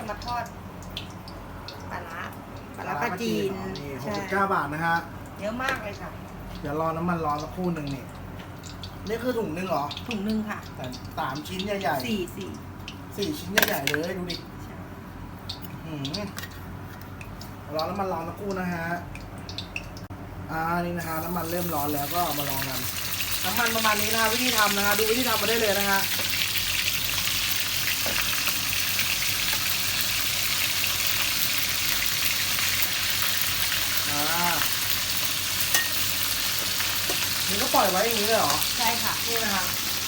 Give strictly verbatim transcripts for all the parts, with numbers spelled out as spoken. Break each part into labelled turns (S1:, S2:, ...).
S1: มาทอดปลาร้าปลาร้าปลาจีน
S2: นี่หกสิบเก้าบาทนะฮะ
S1: เยอะมากเลยค่ะ
S2: เดี๋ยวรอน้ำมันร้อนสักครู่หนึ่งนี่นี่คือถุงนึงเหรอ
S1: ถุงนึงค่ะ
S2: แต่สามชิ้นใหญ่ๆ
S1: สี่สี่
S2: สี่ชิ้นใหญ่ๆเลยดูดิหืมร้อนน้ำมันร้อนสักครู่นะฮะอ่านี่นะฮะน้ำมันเริ่มร้อนแล้วก็มาลองกันน้ำมันประมาณนี้นะฮะวิธีทำนะฮะดูวิธีทำมาได้เลยนะฮะอ่านี่ก็ปล่อยไว้อย่างนี้เลยเหรอ
S1: ใช่ค่ะ
S2: นี่นะฮะ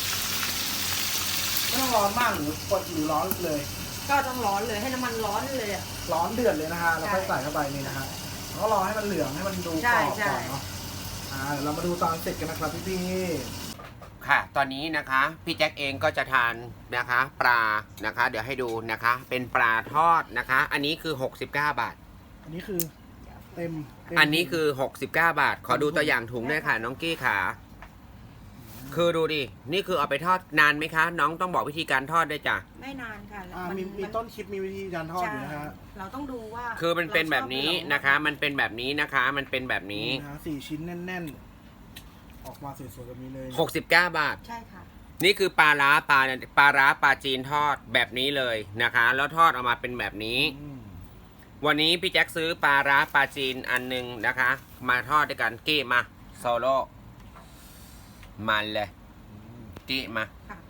S2: ไม่ต้องร้อนมากหรือกดหรือร้อนเลย
S1: ก็ต้องร้อนเลยให้น้ำมันร้อนเลยอ่ะ
S2: ร้อนเดือดเลยนะฮะแล้วค่อยใส่เข้าไปนี่นะฮะแล้วก็รอให้มันเหลืองให้มันดูกรอบก่อนเนาะอ่าเดี๋ยวเรามาดูตอนเสร็จกันนะครับพี่พี่
S3: ค่ะ ตอนนี้นะคะพี่แจ็คเองก็จะทานนะคะปลานะคะเดี๋ยวให้ดูนะคะเป็นปลาทอดนะคะ อันนี้คือหกสิบเก้าบาท
S2: อันนี้คือเต็ม
S3: อันนี้คือหกสิบเก้าบาทขอดูตัวอย่างถุงด้วยค่ะน้องกี้ขาคือดูดินี่คือเอาไปทอดนานไหมคะน้องต้องบอกวิธีการทอดด้วยจ้ะ
S1: ไม่นานค่ะ
S2: อ่ามีมีต้นคลิปมีวิธีการทอดอยู่นะฮะ
S1: เราต้องดูว่า
S3: คือมันเป็นแบบนี้นะคะมันเป็นแบบนี้นะคะมันเป็นแบบนี้
S2: นะสี่ชิ้นแน่นๆออกมาสวยๆแบบนี้เลย
S3: หกสิบเก้าบาท
S1: ใช่ค่ะ
S3: นี่คือปลาร้าปลาปลาร้าปลาจีนทอดแบบนี้เลยนะคะแล้วทอดออกมาเป็นแบบนี้วันนี้พี่แจ็คซื้อปลาร้าปลาจีนอันหนึ่งนะคะมาทอดด้วยกันกี้มาโซโล่มันเลยกี้มา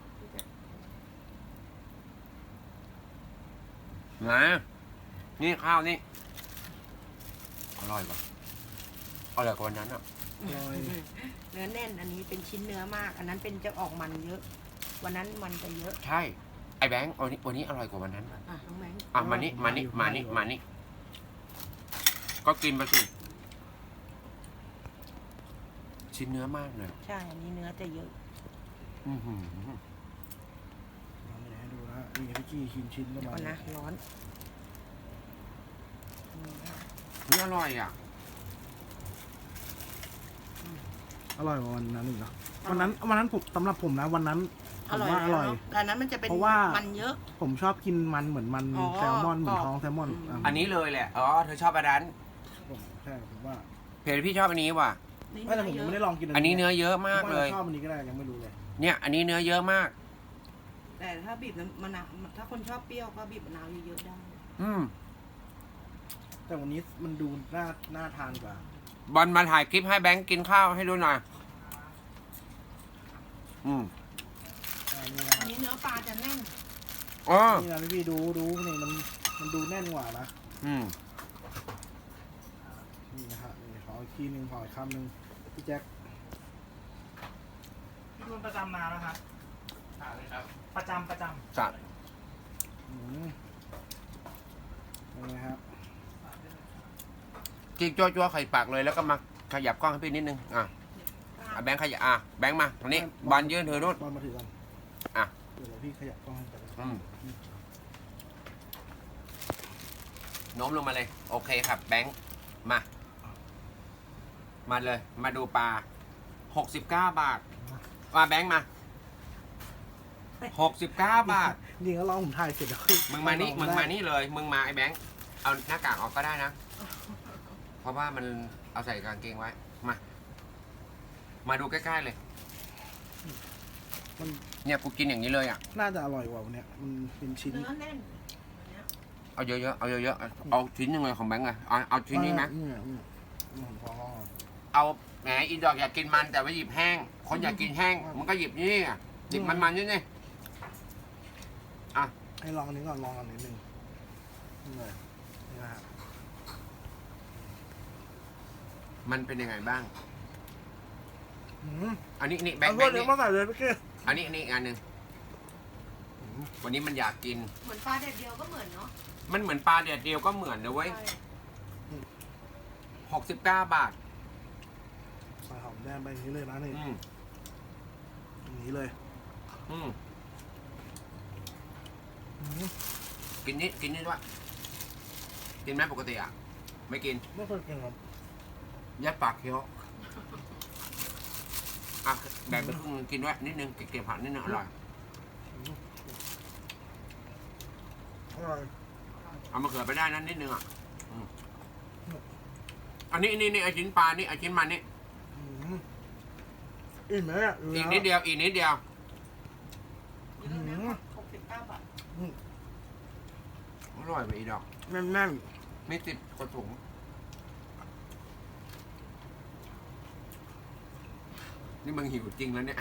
S3: มานี่ข้าวนี่อร่อยป่ะอร่อยกว่าวันนั้นอ่ะ
S1: เนื้อแน่นอันนี้เป็นชิ้นเนื้อมากอันนั้นเป็นจะออกมันเยอะวันนั้นมันจะเยอะ
S3: ใช่ไอ้แบงค์วันนี้วันนี้อร่อยกว่าวันนั้นอ่ะ
S1: น้องแบงค์
S3: อ่ะมานี่มานี่มานี่มานี่ก็กินไปสิชิ้นเนื้อมากเลย
S1: ใช่อันนี้เนื้อจะเยอะ
S3: อือหือ
S2: ให้ดูนะนี่พี่กี้ชิ้นชิ้นประมาณ
S1: นะร้อน
S3: นี่อร่อยอ่ะ
S2: อร่อยกว่าวันนั้นอีกเหรอวันนั้นวันนั้นผมสำหรับผมนะวันนั้นผมว่าอร่อย
S1: แต่นั้นมันจะเป็นเพราะว่ามันเยอะ
S2: ผมชอบกินมันเหมือนมันแซลมอนเหมือนท้องแซลมอน
S3: อันนี้เลยแหละอ๋อเธอชอบอันนั้น
S2: ใช่ผมว่า
S3: เพจพี่ชอบอันนี้ว่ะ
S2: ไม่แต่ผมไม่ได้ลองกิน
S3: อันนี้เนื้อเยอะมากเลย
S2: ชอบอันนี้ก็ได้ยังไม่รู้เลย
S3: เนี่ยอันนี้เนื้อเยอะมาก
S1: แต่ถ้าบีบมะนาวถ้าคนชอบเปรี้ยวก็บีบมะนาวเยอะๆได้
S3: อืม
S2: แต่วันนี้มันดูน่าน่าทานกว่า
S3: บอลมาถ่ายคลิปให้แบงค์กินข้าวให้ดูหน่อยอืม
S1: อันนี้เนื้อปลาจะแน่น
S3: อ๋อ
S2: นี่นะพี่ดูดูนี่มันมันดูแน่นกว่านะ
S3: อืม
S2: นี่นะฮะนี่ขออีกทีหนึ่งขออีกคำหนึ่งพี่แจ็ค
S4: พี่คุณประจำมาแล้วครับครับประจำประจำ
S3: จัด
S2: อืมนี่ฮะ
S3: กินจั่วๆไข่ปากเลยแล้วก็มาขยับกล้องให้พี่นิดนึงอ่ะแบงค์ขยับอ่ะแบงค์มาตรงนี้บอลยืนเธอนู่น
S2: บอลมาถือกัน
S3: อ่ะ
S2: เดี๋ยวพี่ขยับกล้องให้กัน
S3: อืมโน้มลงมาเลยโอเคครับแบงค์มามาเลยมาดูปลาหกสิบเก้าบาทมาแบงค์มาหกสิบเก้าบาท
S2: นี่ก็ลองผมถ่ายเสร็จแล้ว
S3: มึงมานี่มึงมานี่เลยมึงมาไอ้แบงค์เอาหน้ากากออกก็ได้นะเพราะว่ามันเอาใส่กางเกงไว้มามาดูใกล้ๆเลย
S2: มัน
S3: เนี่ยกูกินอย่างนี้เลยอ่ะ
S2: น่าจะอร่อยกว่าวันนี้มันเป็นชิ้น
S1: เนื้อแน่น
S3: เอาเยอะๆเอาเยอะๆเอาชิ้นยังไงของแบงค์อะเอาเอาชิ้นนี้ไหมเอาแหมอีดอกอยากกินมันแต่ว่าหยิบแห้งคนอยากกินแห้งมันก็หยิบนี่อ่ะหยิบมันๆนี่นี่อ่ะ
S2: ให้ลองอันนี้ก่อนลองอันนี้หนึ่งนี่เลยนี่นะฮะ
S3: มันเป็นยังไงบ้างอันนี้นี่แบงค์
S2: แบงค์นี่มาใส่เลยพี่เก้
S3: อันนี้นี่อีกอันหนึ่งวันนี้มันอยากกิน
S1: เหมือนปลาเด็ดเดียวก็เหมือนเนาะ
S3: มันเหมือนปลาเด็ดเดียวก็เหมือนนะเว้ยหกสิบเก้าบาท
S2: ใส่หอมแดงไปอย่างนี้เลยนะนี่อย่างนี้เลย
S3: อืมกินนิดกินนิดว่ากินไหมปกติอ่ะไม่กิน
S2: ไม่เคยกินครับ
S3: ยัดปากเคี้ยวอ่ะแบ่งไปครึ่งกินไว้นิดนึงเก็บผักนิดนึงอร่อย
S2: อร่อย
S3: เอามะเขือไปได้นั้นนิดนึงอ่ะอืมอันนี้นี่นี่ไอชิ้นปลานี่ไอชิ้นมันนี่
S2: อืมอิ่มไหมเนี่ย
S3: อีกนิดเดียวอีกนิดเดียว
S1: เยอะนะหกสิบเก้าบาท
S3: อร่อยไปอีดอก
S2: แน่นแน่น
S3: ไม่ติดกระถุงนี่มึงหิวจริงแล้วเนี่ย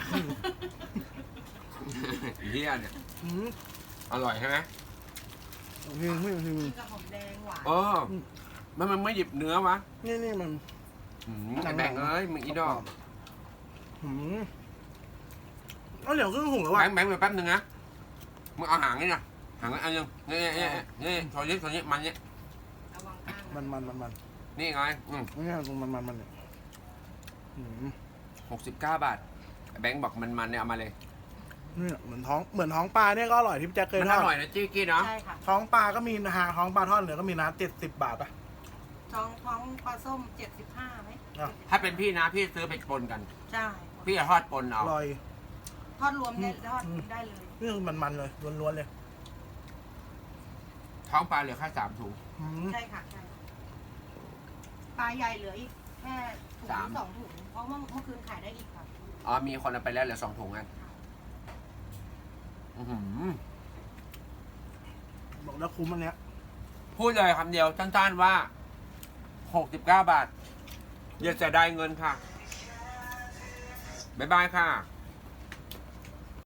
S3: เฮียเนี่ย
S2: ๆอืม
S3: อร่อยใช่ไหม
S2: หิวหิวหิว
S1: กินกับหอมแดงหวาน
S3: เออมันมันไม่หยิบเนื้อวะ
S2: นี่นี่มัน
S3: อืมไอ้แบ่งเอ้ยมึงอีดอก
S2: อืมเอาเดี๋ยวครึ่งหุงแล้ว
S3: แบ
S2: ว่ะ
S3: งค์แบงค์ไปแป๊บนึงนะมึงเอาหางนี่นะหางอันนึงนี่นี่นี่นี่ชอนี้ชอนี้มันนี่
S1: ระวังข้าง
S2: มันมันมันมัน
S3: นี่ไงอืม
S2: นี่ตรงมันมันมันเนี่ยอืม
S3: หกสิบเก้าบาทแบงค์บอกมันมันเนี่ยเอามาเลย
S2: นี่เหมือนท้องเหมือนท้องปลาเนี่ยก็อร่อยที่พี่แจ็คเคย
S3: มัน
S2: ท
S3: อ
S2: อด
S3: ร่อยนะจี้กี้เนาะ
S1: ใช่ค่ะ
S2: ท้องปลาก็มีนะฮะท้องปลาทอดเหนือก็มีนะเจ็ดสิบบาทป่ะ
S1: ท้องท้องปลาส้มเจ็ดสิบห้าไหม
S2: อ่ะ
S3: ถ้าเป็นพี่นะพี่ซื้อไปปนกัน
S1: ใช่
S3: พี่จะทอดปน
S2: อ
S3: เอา
S2: ร่อย
S1: ทอดรวมได้
S2: อืม
S1: ทอด
S2: อืม
S1: ได้เลย
S2: นี่คือมันมันเลยล้วนๆเลย
S3: ท้องปลาเหลือแค่สามถุง
S2: อืม
S1: ใช่ค่ะใช่ปลาใหญ่เหลืออีกแค่ถุง
S3: สาม
S1: สองถุงเพราะว่าเมื่อคืนขายได้อีกค่ะ
S3: อ๋อมีคนเอาไปแล้วเหลือสองถุงกันอื้อหือ
S2: บอกแล้วคุ้มอันเนี้ย
S3: พูดเลยคำเดียวสั้นๆว่าหกสิบเก้าบาทอย่าเสียดายเงินค่ะบ๊ายบายค่ะ